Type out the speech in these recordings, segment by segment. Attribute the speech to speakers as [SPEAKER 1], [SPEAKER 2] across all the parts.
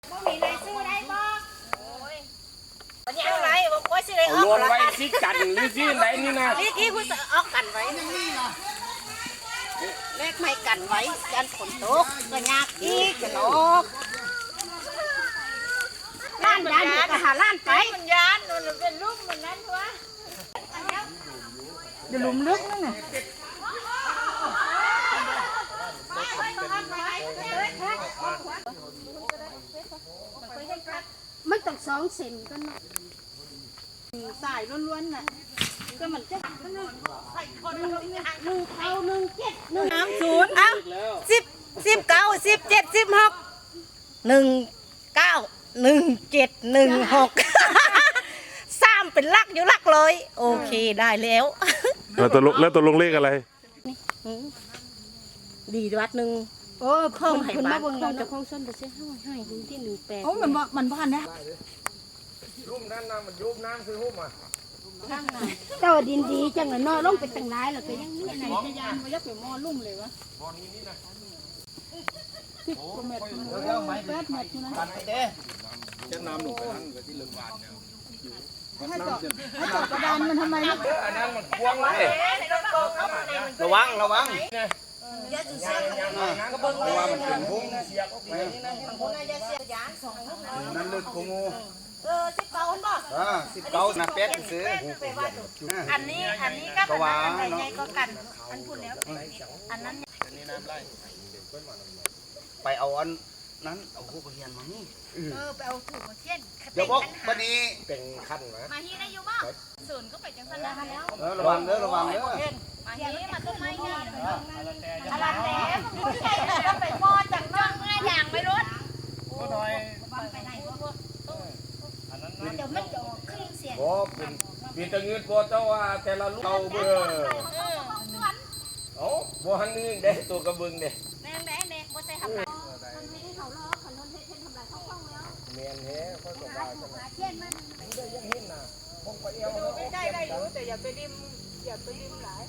[SPEAKER 1] บ่มีอะไรซื้อได้บ่วันนี้อะไรบอกว่าซื้อได้ออก
[SPEAKER 2] รวมไว้ซิกันหรือซิไหนนี่นะ
[SPEAKER 1] นี่คุณจะออกกันไว้เลขไม่กันไว้ยันฝนตกก็ยากอีกจะลอกล้านยานก็หาล้านไปมันยานมันเป็นลูกมันนั้นวะจะลุมลึกนั่นน่ะมันต้อง2 เซนก็เนาะสายล้วนๆน่ะก็มันจะใส่คน1 เท่า 1 7 1 3 0เอ้า10 19 17 16 19 17 16 3เป็นลักอยู่ลักเลยโอเคได้แล้ว
[SPEAKER 3] แล้วตกลงเลขอะไร
[SPEAKER 1] ดีวัดหนึ่งโอ้เพิ่มให้บ้านเพิ่มจะคงส้นไปเสียให้ดูที่18โอ้มันบ้านนะ
[SPEAKER 2] รูปนั้นนะมันยุบน้ำซื้อหุ้มอ่ะ
[SPEAKER 1] เจ้าดินดีจังเลยน้อยลงไปตั้งหลายแล้วก็ยังนี่ไหนจะยานมายักไปมอลุ่มเลยวะมอนี้นี่นะ10 กว่าเมตร8 เมตรนะ
[SPEAKER 2] จะนำลงไปนั่นกับที่เรื่องบ้านเนี่ย
[SPEAKER 1] ให้เจาะกระดานมันทำไมนะ
[SPEAKER 2] อันนั้นมันควงเลยระวังระวังมันเป็นหุ้มเสียบออกไปนั่นลึกโคงู
[SPEAKER 1] 19บ่
[SPEAKER 2] 19นะเป็ดซื้อ
[SPEAKER 1] อันนี้ก็ว่าใหญ่ก็กันอันพูดแล้วอันนั้น
[SPEAKER 2] นี่น้ำไล่
[SPEAKER 4] ไปเอาอันนั้นเอาคู่กับเฮียนมานี่
[SPEAKER 1] ไปเอาถูกมาเทียน
[SPEAKER 4] เดี๋ยวบอกวันนี้
[SPEAKER 2] เป็นขั้นนะ
[SPEAKER 1] มาฮีได้อยู่บ่ศูนย์ก็ไปจังซั่นแล้ว
[SPEAKER 4] ระวังเด้อระวังเด้อ
[SPEAKER 1] มาฮีมาต้นไม้ใหญ่อะไรแต่ไปมอจังน้องง่ายอย่างไม่รู้ก็หน่อยไปไหนเดี๋ยวมันจะออกเครื่องเสียง
[SPEAKER 2] โอ้เป็นตะเงินบัวเจ้าว่าแต่ละลูกเราเบื่อโอ้บัวหันนี่เด้ตัวกระเบื้องเด้
[SPEAKER 1] แม่บ่ใส่ทำไรมันไม่ได้เขาล้อคันนนเฮ็ดทำไรเขาคล่องแล้ว
[SPEAKER 2] เมียนเฮ้ก็สบายสบาย
[SPEAKER 1] เทียนมัน
[SPEAKER 2] เดี๋ยวยังเห็นนะพงไปเอว
[SPEAKER 1] ได้อยู่แต่อย่าไปริมหลาย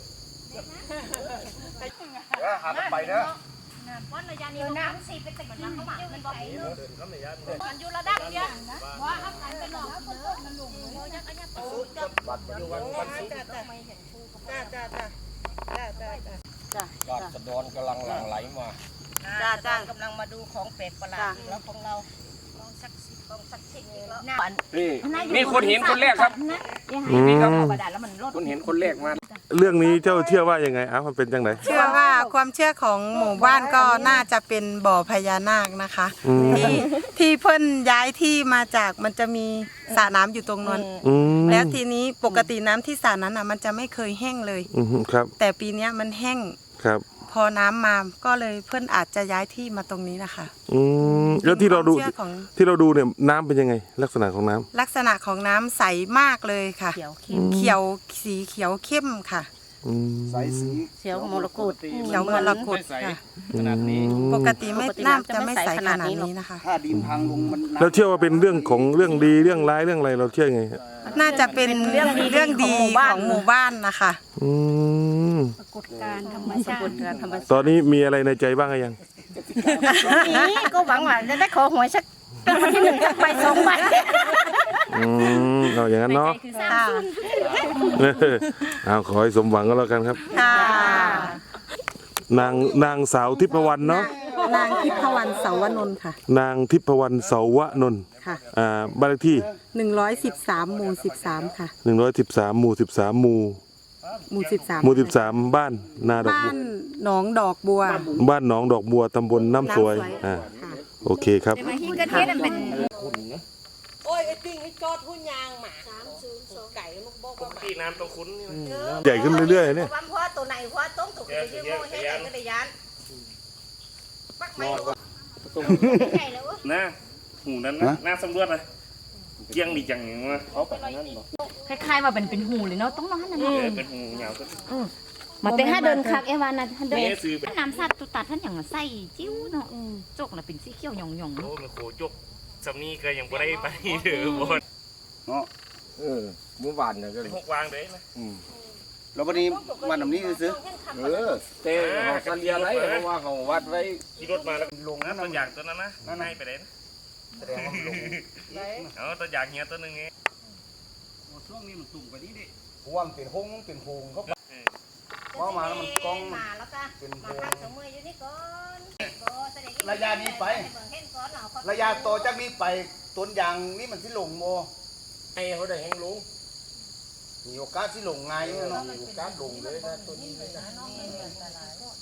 [SPEAKER 4] หาไปเด้อ
[SPEAKER 1] เพราะระยะนี้น้ำสีเป็นตะกี้มันบอกมันอยู่ระดับเดียวว่าถ้าการเป็นหลอกเด้อมันหลงเลยยักษ์ยักษ์จับ
[SPEAKER 2] บัตรปัจจุบันวันศุกร์ราษฎรกำลังหลั่งไหลมา
[SPEAKER 1] จ้ากำลังมาดูของแปลกประหลาดแล้วของเราของศักดิ์สิทธิ์อีกแล้ว
[SPEAKER 2] นี่คนเห็นคนแรกครับ
[SPEAKER 3] นี่ครับ
[SPEAKER 2] คนเห็นคนแรกมา
[SPEAKER 3] เรื่องนี้เจ้าเชื่อว่ายังไงมันเป็นจังไหน
[SPEAKER 5] เชื่อว่าความเชื่อของหมู่บ้านก็น่าจะเป็นบ่อพญานาคนะคะที่เพิ่นย้ายที่มาจากมันจะมีสระน้ำอยู่ตรงนั้นแล้วทีนี้ปกติน้ำที่สระนั้นมันจะไม่เคยแห้งเลย
[SPEAKER 3] ครับ
[SPEAKER 5] แต่ปีนี้มันแห้ง
[SPEAKER 3] ครับ
[SPEAKER 5] พอน้ำมาก็เลยเพิ่นอาจจะย้ายที่มาตรงนี้นะคะ
[SPEAKER 3] แล้วที่เราดูเนี่ยน้ำเป็นยังไงลักษณะของน้ำ
[SPEAKER 5] ลักษณะของน้ำใสมากเลยค่ะเขียวสีเขียวเข้มค่ะ
[SPEAKER 4] ใสสี
[SPEAKER 1] เขียวมรกต
[SPEAKER 5] เขียวมรกตค่ะปกติไม่น้ำจะไม่ใสขนาดนี้นะคะ
[SPEAKER 4] ถ้าดินพังลงมัน
[SPEAKER 3] เราเชื่อว่าเป็นเรื่องของเรื่องดีเรื่องร้ายเรื่องอะไรเราเชื่อไง
[SPEAKER 5] น่าจะเป็นเรื่องดีของหมู่บ้านนะคะ
[SPEAKER 1] ปรากฏการณ์ธรรมชาติ
[SPEAKER 3] ตอนนี้มีอะไรในใจบ้างยัง
[SPEAKER 1] นี่ก็หวังว่าจะได้ขอหวยสักวันที่1ไป2 ใบ
[SPEAKER 3] เอาอย่างนั้นเนาะเอาขอให้สมหวังก็แล้วกันครับนางสาวทิพวรรณเนาะ
[SPEAKER 5] นางทิพวรรณเสาวนนท์ค่ะ
[SPEAKER 3] นางทิพวรรณเสาวนนท์
[SPEAKER 5] ค่ะ
[SPEAKER 3] บ้านเลขที่
[SPEAKER 5] 113หมู่13ค่ะ
[SPEAKER 3] 113หมู่13หมู่13บ้านนาดอกบัว
[SPEAKER 5] บ้านหนองดอกบัว
[SPEAKER 3] บ้านหนองดอกบัวตำบลน้ำสวยโอเคครับ
[SPEAKER 1] โอ้ยไอ้ปิ้งไอ้จอดหุ่นยางหมา302ไก่มันบอกว่า
[SPEAKER 2] ที่น้ำตัวคุ้นนี่
[SPEAKER 3] ใหญ่ขึ้นเรื่อยๆเนี่ย
[SPEAKER 1] เพราะตัวไหนเพราะต้องถูกไปยืมให้ไก่ก็ได้ยันปักไม่ใช่แล้ว
[SPEAKER 2] นะหูนั้นนะน่าสำรวจเลยเกี่ยงดีจังอย่างวะเขาแบบนั้นหรอ
[SPEAKER 6] คล้ายๆว่าเป็นหูเลยเนาะต้องนอนนั่นนะ
[SPEAKER 2] เป็นหูยาวก็
[SPEAKER 6] มาแต่ถ้าเดินคักเอวานะท่านเดินน้ำสัตว์ตุตัดท่านอย่างใส่จิ้วเนาะจกน่ะเป็นสีเขียวหย่องๆ
[SPEAKER 2] โอ้มันโคจกสำนีก็ยังไม่ได้ไปเด้อบน
[SPEAKER 4] เนาะ
[SPEAKER 2] เมื่อวานเนี่ยก็6 วางเลยนะ
[SPEAKER 4] แล้ววันนี้วันนี้ซื้อ
[SPEAKER 2] เตะสัญญาอะไรเพราะว่าเขาวัดไว้ขี่รถมาแล้วลงนะบางอย่างตัวนั้นนะให้ไปเลยนะ
[SPEAKER 4] แสดงว่ามันลง
[SPEAKER 2] เอาตัวอย่างเงี้ยตัวนึงไง
[SPEAKER 4] ช่วงนี้มันตุ่มกว่านี้ดิเพราะว่ามันเป็นหงเป็นโพงเขาพอมาแล้วมันกอง
[SPEAKER 1] มาแล้วก็
[SPEAKER 4] เป็นโพ
[SPEAKER 1] มาง ข้างสมืออยู่นี่ก่อนแสดง
[SPEAKER 4] ระยะนี้ไป ระยะต่อจากนี้ไปต้นยางนี่มันสิลงโม
[SPEAKER 2] ไอ้เขาได้แห้งลุง
[SPEAKER 4] มีโอกาสสิลงไงายเนาะ
[SPEAKER 2] มีโอกาสลงเลยนะตัวนี้เลยนะ